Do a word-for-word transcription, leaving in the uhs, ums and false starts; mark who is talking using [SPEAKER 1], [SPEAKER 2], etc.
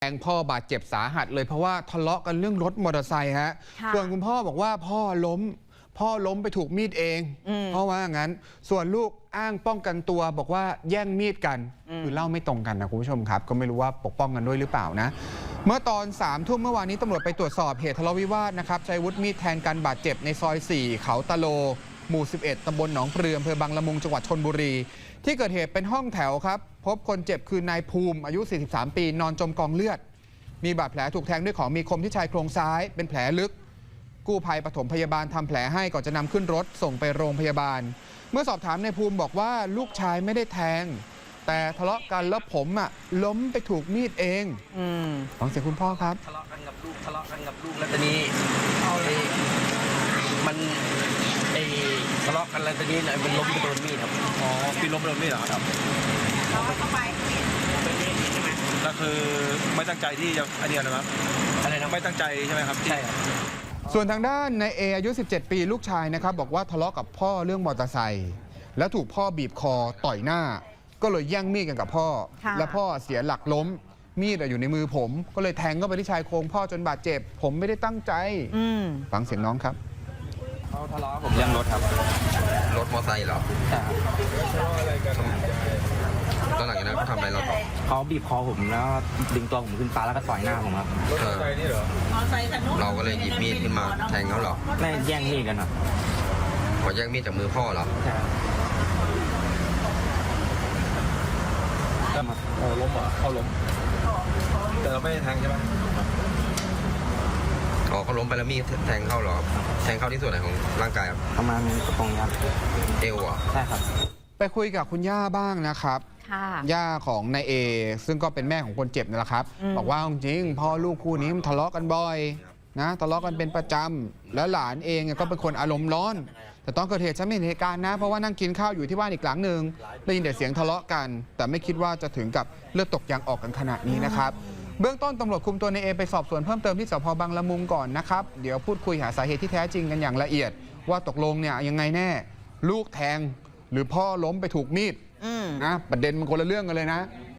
[SPEAKER 1] แทงพ่อบาดเจ็บสาหัสเลยเพราะว่าทะเลาะกันเรื่องรถมอเตอร์ไซค์ฮะส่วนคุณพ่อบอกว่าพ่อล้มพ่อล้มไปถูกมีดเองเพราะว่างั้นส่วนลูกอ้างป้องกันตัวบอกว่าแย่งมีดกันคือเล่าไม่ตรงกันนะคุณผู้ชมครับก็ไม่รู้ว่าปกป้องกันด้วยหรือเปล่านะเมื่อตอนสามทุ่มเมื่อวานนี้ตำรวจไปตรวจสอบเหตุทะเลาะวิวาทนะครับใช้อาวุธมีดแทงกันบาดเจ็บในซอยสี่เขาตะโลหมู่สิบเอ็ดตำบลหนองปลืออำเภอบางละมุงจังหวัดชลบุรีที่เกิดเหตุเป็นห้องแถวครับพบคนเจ็บคือนายภูมิอายุสี่สิบสามปีนอนจมกองเลือดมีบาดแผลถูกแทงด้วยของมีคมที่ชายโครงซ้ายเป็นแผลลึกกู้ภัยปฐมพยาบาลทำแผลให้ก่อนจะนำขึ้นรถส่งไปโรงพยาบาลเมื่อสอบถามนายภูมิบอกว่าลูกชายไม่ได้แทงแต่ทะเลาะกันแล้วผมอ่ะล้มไปถูกมีดเองฟังเสียงคุณพ่อครับ
[SPEAKER 2] ทะเลาะกันกับลูกทะเลาะกันกับลูกแล้วตอนนี้มันไอ้ทะเลาะกันแล้วตอนนี้มันล้มไปโดนมีดครับ
[SPEAKER 3] อ๋อพี่ล้มไปโดนมีดเหรอครับก็คือไม่ตั้งใจที่จะอันนี้นะครับ
[SPEAKER 2] อะไรนะ
[SPEAKER 3] ไม่ตั้งใจใช่ไหมครับ
[SPEAKER 2] ใช่ครับ
[SPEAKER 1] ส่วนทางด้านนายเออายุสิบเจ็ดปีลูกชายนะครับบอกว่าทะเลาะกับพ่อเรื่องมอเตอร์ไซค์แล้วถูกพ่อบีบคอต่อยหน้าก็เลยแย่งมีดกันกับพ่อและพ่อเสียหลักล้มมีดอยู่ในมือผมก็เลยแทงเข้าไปที่ชายโครงพ่อจนบาดเจ็บผมไม่ได้ตั้งใจฟังเสียงน้องครับ
[SPEAKER 3] เขาทะเลาะผมเรื่องรถครับ
[SPEAKER 4] รถมอเตอร์ไซค์เหรอ
[SPEAKER 2] ใช่ครับ
[SPEAKER 4] ตอนหลังจากนั้นเขาทำอะไรเราต่อ
[SPEAKER 2] เขาบีบคอผมแล้วดึงตัวผมขึ้นฟ้าแล้วก็ต่อยหน้าผมครับ
[SPEAKER 3] รถมอเตอร์ไซค์นี่เหรอ
[SPEAKER 4] เราก็เลยหยิบมีดขึ้นมาแทงเขาเหรอ
[SPEAKER 2] ไม่แย่งมีดกันครับ
[SPEAKER 4] ขอแย่งมีดจากมือพ่อเหรอ
[SPEAKER 2] ใช่
[SPEAKER 3] ครับเขาล้มเหรอเขาล้มแต่เราไม่ได้แทงใช่ไหม
[SPEAKER 4] อ๋อเขาล้มไปแล้วมีดแทงเข้าเหรอแทงเข้าที่ส่วนไหนของร่างกายครับ
[SPEAKER 2] ประมาณตรงครับ
[SPEAKER 4] เอวอ่ะ
[SPEAKER 2] ใช่ครับ
[SPEAKER 1] ไปคุยกับคุณย่าบ้างนะครับย่าของนายเอซึ่งก็เป็นแม่ของคนเจ็บนั่นแหละครับบอกว่าจริงพ่อลูกคู่นี้มันทะเลาะกันบ่อยนะทะเลาะกันเป็นประจำแล้วหลานเองก็เป็นคนอารมณ์ร้อนแต่ตอนเกิดเหตุฉันไม่เห็นเหตุการณ์นะเพราะว่านั่งกินข้าวอยู่ที่บ้านอีกหลังหนึ่งได้ยินแต่เสียงทะเลาะกันแต่ไม่คิดว่าจะถึงกับเลือดตกยางออกกันขนาดนี้นะครับเบื้องต้นตำรวจคุมตัวนายเอไปสอบสวนเพิ่มเติมที่สพบางละมุงก่อนนะครับเดี๋ยวพูดคุยหาสาเหตุที่แท้จริงกันอย่างละเอียดว่าตกลงเนี่ยยังไงแน่ลูกแทงหรือพ่อล้มไปถูกมีดนะประเด็นมันคนละเรื่องกันเลยนะ